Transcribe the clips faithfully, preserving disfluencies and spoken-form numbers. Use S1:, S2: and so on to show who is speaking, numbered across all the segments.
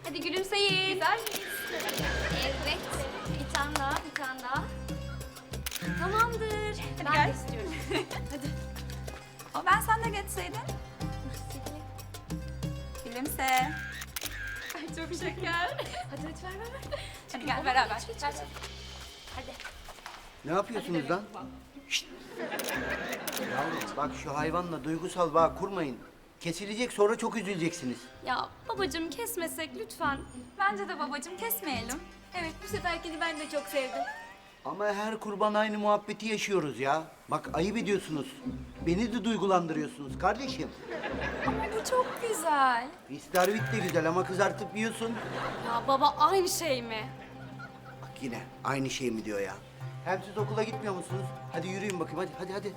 S1: Hadi gülümseyin. Güzel miyiz? Evet. Bir tane daha, bir tane daha. Tamamdır. Hadi ben
S2: gel.
S1: de istiyorum. Hadi.
S2: Ama ben sen de geçseydin. Gülümse.
S1: Ay çok şeker. Hadi hadi ver ver ver.
S2: Hadi gel beraber.
S1: Geç, geç, geç. Hadi.
S3: Ne yapıyorsunuz lan? Şşt! Yavrum bak şu hayvanla duygusal bağ kurmayın. Kesilecek sonra çok üzüleceksiniz.
S1: Ya babacığım kesmesek lütfen.
S2: Bence de babacığım kesmeyelim.
S1: Evet bu seferkini ben de çok sevdim.
S3: Ama her kurban aynı muhabbeti yaşıyoruz ya. Bak ayıp ediyorsunuz. Beni de duygulandırıyorsunuz kardeşim.
S2: Ama bu çok güzel.
S3: İstervit de güzel ama kızartıp yiyorsun.
S1: Ya baba aynı şey mi?
S3: Bak yine aynı şey mi diyor ya. Hem siz okula gitmiyor musunuz? Hadi yürüyün bakayım hadi hadi hadi.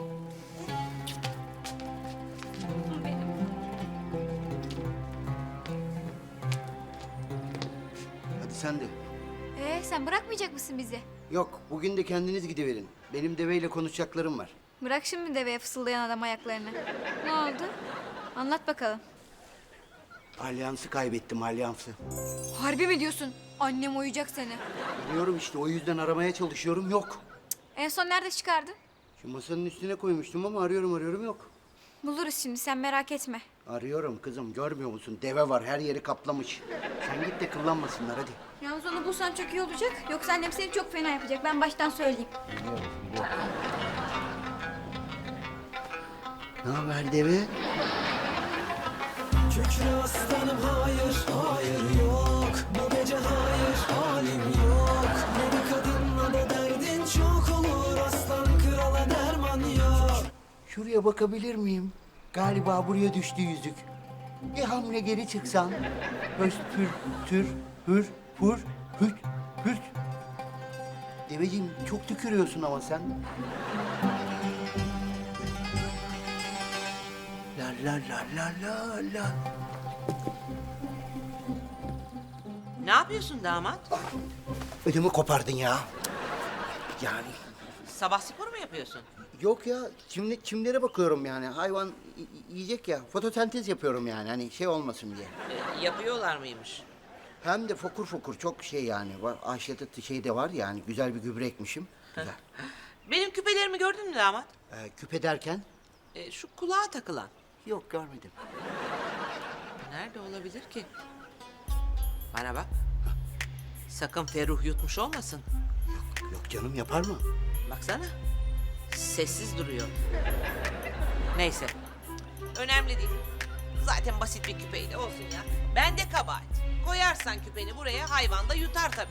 S3: Hadi sen de.
S4: Ee, sen bırakmayacak mısın bizi?
S3: Yok bugün de kendiniz gidiverin. Benim deveyle konuşacaklarım var.
S4: Bırak şimdi deveye fısıldayan adam ayaklarını. Ne oldu? Anlat bakalım.
S3: Alyansı kaybettim alyansı.
S4: Harbi mi diyorsun? Annem uyuyacak seni.
S3: Biliyorum işte o yüzden aramaya çalışıyorum yok.
S4: En son nerede çıkardın?
S3: Şu masanın üstüne koymuştum ama arıyorum arıyorum yok.
S4: Buluruz şimdi, sen merak etme.
S3: Arıyorum kızım görmüyor musun? Deve var her yeri kaplamış. Sen git de kıllanmasınlar hadi.
S4: Yalnız onu bulsan çok iyi olacak. Yoksa annem seni çok fena yapacak. Ben baştan söyleyeyim.
S3: Ne haber deve?
S5: Kükre aslanım hayır, hayır yok. Bu gece hayır, halim yok. Ne bir kadınla da derdin çok olur. Aslan krala derman yok.
S3: Şuraya bakabilir miyim? Galiba buraya düştü yüzük. Bir hamle geri çıksan. Höst pür tür hür hur hüt hürt. Deveciğim çok tükürüyorsun ama sen. La la la la la la.
S6: Ne yapıyorsun damat?
S3: Ödümü kopardın ya. Yani
S6: Sabah spor mu yapıyorsun?
S3: yok ya çimle, çimlere bakıyorum yani. Hayvan y- y- yiyecek ya. Fotosentez yapıyorum yani hani şey olmasın diye.
S6: Ee, yapıyorlar mıymış?
S3: Hem de fokur fokur çok şey yani. Var, Ayşe'de şey de var yani güzel bir gübre ekmişim. Güzel.
S6: Benim küpelerimi gördün mü damat?
S3: Ee, küpe derken?
S6: Ee, şu kulağa takılan.
S3: Yok görmedim.
S6: Nerede olabilir ki? Bana bak. Sakın Ferruh yutmuş olmasın.
S3: Yok canım yapar mı?
S6: Baksana. Sessiz duruyor. Neyse. Önemli değil. Zaten basit bir küpeyle olsun ya. Ben de kabahat. Koyarsan küpeni buraya hayvan da yutar tabii.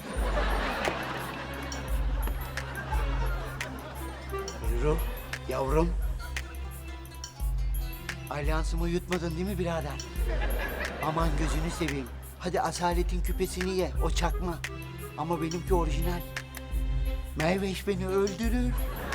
S3: Buyurun yavrum. Alyansımı yutmadın değil mi birader? Aman gözünü seveyim. Hadi asaletin küpesini ye, o çakma. Ama benimki orijinal. Meyveş beni öldürür.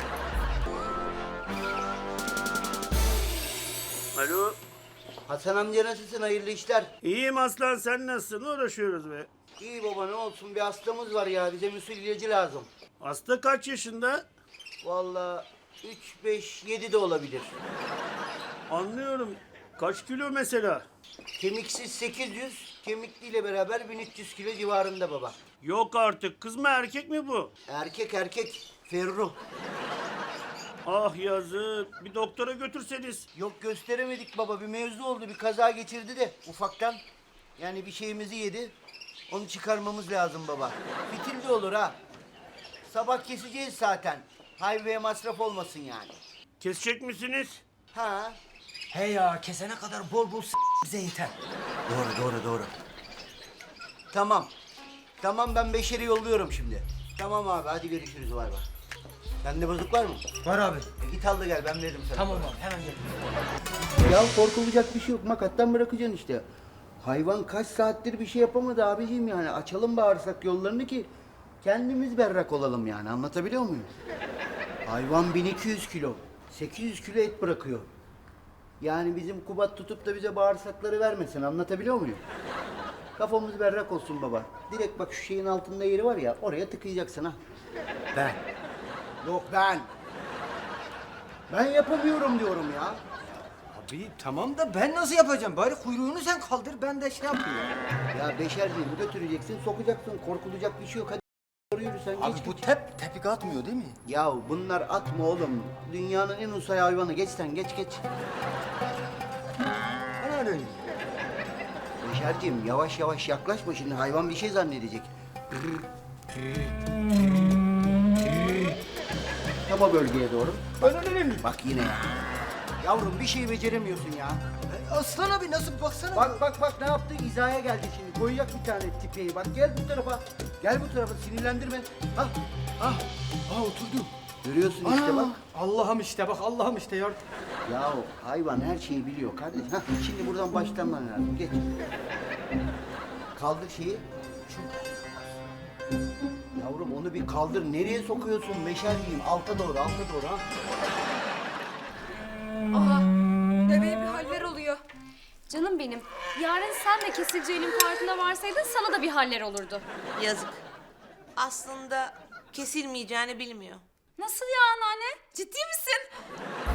S7: Alo.
S3: Hasan amca nasılsın? Hayırlı işler.
S7: İyiyim aslan, sen nasılsın? Uğraşıyoruz be.
S3: İyi baba ne olsun bir hastamız var ya. Bize müsil ilacı lazım.
S7: Hasta kaç yaşında?
S3: Vallahi üç, beş, yedi de olabilir.
S7: Anlıyorum. Kaç kilo mesela?
S3: Kemiksiz sekiz yüz, kemikliyle beraber bin üç yüz kilo civarında baba.
S7: Yok artık. Kız mı erkek mi bu?
S3: Erkek erkek, Ferruh.
S7: Ah yazık. Bir doktora götürseniz.
S3: Yok gösteremedik baba. Bir mevzu oldu. Bir kaza geçirdi de ufaktan. Yani bir şeyimizi yedi. Onu çıkarmamız lazım baba. Fitil de olur ha. Sabah keseceğiz zaten. Hayveye masraf olmasın yani.
S7: Kesecek misiniz?
S3: Ha?
S5: He ya kesene kadar bol bol s- bize yeter.
S3: Doğru doğru doğru. Tamam. Tamam ben Beşer'i yolluyorum şimdi. Tamam abi hadi görüşürüz bay bay. Sende bozuk var mı?
S5: Var abi.
S3: E, git al da gel ben veririm sana.
S5: Tamam abi hemen gel.
S3: Ya korkulacak bir şey yok. Makattan bırakacaksın işte. Hayvan kaç saattir bir şey yapamadı abiciğim yani. Açalım bağırsak yollarını ki kendimiz berrak olalım yani. Anlatabiliyor muyum? Hayvan bin iki yüz kilo. sekiz yüz kilo et bırakıyor. Yani bizim Kubat tutup da bize bağırsakları vermesin. Anlatabiliyor muyum? Kafamız berrak olsun baba. Direkt bak şu şeyin altında yeri var ya oraya tıkayacaksın ha. Ben. Yok ben. Ben yapamıyorum diyorum ya.
S8: Abi tamam da ben nasıl yapacağım? Bari kuyruğunu sen kaldır, ben de şey yapayım.
S3: Ya Beşerciğim götüreceksin, sokacaksın. Korkulacak bir şey yok. Hadi doğru yürü sen.
S8: Abi
S3: geç,
S8: bu
S3: geç.
S8: tep tepik atmıyor değil mi?
S3: Ya bunlar atma oğlum. Dünyanın en usay hayvanı. Geç sen, geç geç.
S8: Ben öyle.
S3: Beşerciğim yavaş yavaş yaklaşma şimdi. Hayvan bir şey zannedecek. Tam o bölgeye doğru.
S8: Ben öyle mi?
S3: Bak yine ya. Yavrum bir şey beceremiyorsun ya.
S8: Aslan abi nasıl baksana.
S3: Bak bak bak ne yaptı? İzaya geldi şimdi. Koyacak bir tane tipeyi. Bak gel bu tarafa. Gel bu tarafa. Sinirlendirme. Ha.
S8: Ah, ah oturdu.
S3: Görüyorsun işte
S8: Ana,
S3: bak.
S8: Allah'ım işte bak Allah'ım işte ya.
S3: Ya hayvan her şeyi biliyor kardeş. Hah, şimdi buradan başlaman lazım. Geç. Kaldır şeyi. Şu. Yavrum onu bir kaldır. Nereye sokuyorsun? Meşerliyim. Alta doğru, alta doğru ha.
S2: Aa, deveye bir haller oluyor.
S1: Canım benim. Yarın sen de kesileceğinin farkına varsaydın sana da bir haller olurdu.
S6: Yazık. Aslında kesilmeyeceğini bilmiyor.
S2: Nasıl ya anneanne? Ciddi misin?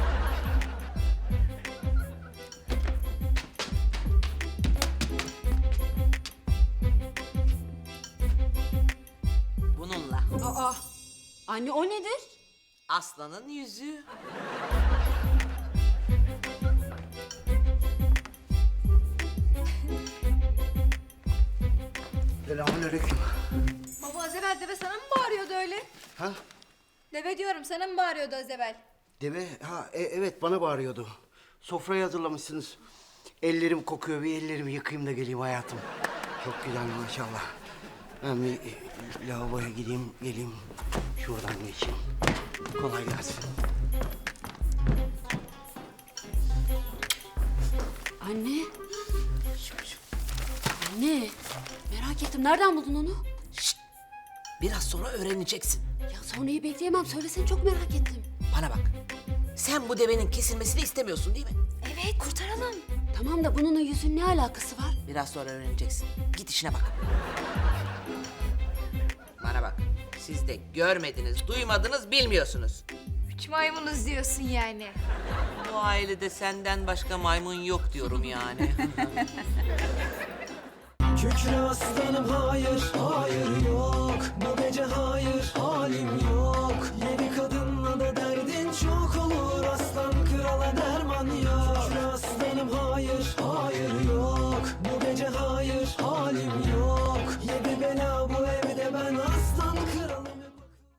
S6: Bununla.
S1: Aa, anne o nedir?
S6: Aslanın yüzüğü.
S3: Selamünaleyküm.
S4: Baba az evvel deve sana mı bağırıyordu öyle?
S3: Ha?
S4: Deve diyorum sana mı bağırıyordu az evvel?
S3: Deve, ha e- evet bana bağırıyordu. Sofrayı hazırlamışsınız. Ellerim kokuyor, bir ellerimi yıkayayım da geleyim hayatım. Çok güzel maşallah. Ben bir e, lavaboya gideyim, geleyim. Şuradan geçeyim. Kolay gelsin.
S1: Anne. Anne. Merak ettim. Nereden buldun onu?
S6: Biraz sonra öğreneceksin.
S1: Ya sonrayı bekleyemem. Söylesene çok merak ettim.
S6: Bana bak. Sen bu devenin kesilmesini istemiyorsun değil mi?
S1: Evet kurtaralım. Tamam da bununla yüzün ne alakası var?
S6: Biraz sonra öğreneceksin. Git işine bak. Bana bak. Siz de görmediniz, duymadınız, bilmiyorsunuz.
S4: Üç maymunuz diyorsun yani.
S6: Bu ailede senden başka maymun yok diyorum yani.
S5: Kükre aslanım hayır, hayır yok. Bu gece hayır, halim yok.